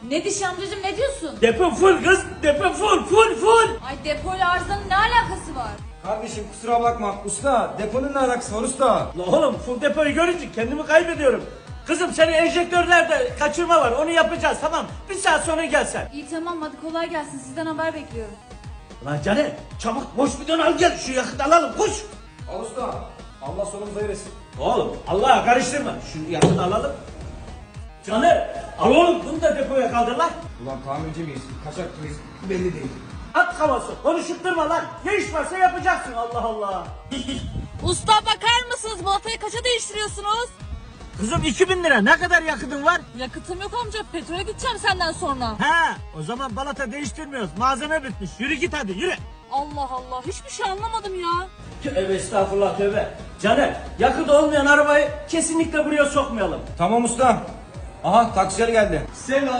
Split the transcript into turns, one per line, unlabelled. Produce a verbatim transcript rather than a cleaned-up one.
Ne dişi amcacığım, ne diyorsun?
Depo full kız, depo full full full.
Ay depoyla arızanın ne alakası var?
Kardeşim kusura bakma usta, deponun ne alakası var usta?
La oğlum full depoyu görünce kendimi kaybediyorum. Kızım senin enjektörlerde kaçırma var, onu yapacağız, tamam. Bir saat sonra gelsen.
İyi tamam, hadi kolay gelsin, sizden haber bekliyorum.
Lan Caner çabuk boş bidon al gel, şu yakıtı alalım, koş.
Al usta, Allah sonumuzu hayır etsin.
Oğlum Allah'a karıştırma, şu yakıtı alalım. Caner al oğlum, bunu da depoya kaldır lan.
Ulan tamirci miyiz, kaçak mıyız belli değil.
At kafası, konuşup durma lan. Ne iş varsa yapacaksın, Allah Allah.
Usta bakar mısınız, balatayı kaça değiştiriyorsunuz?
Kızım iki bin lira, ne kadar yakıtın var?
Yakıtım yok amca, petrole gideceğim senden sonra.
He, o zaman balata değiştirmiyoruz, malzeme bitmiş. Yürü git hadi, yürü.
Allah Allah, hiçbir şey anlamadım ya.
Tövbe estağfurullah tövbe. Caner, yakıt olmayan arabayı kesinlikle buraya sokmayalım.
Tamam usta. Aha taksiyer geldi.
Selam.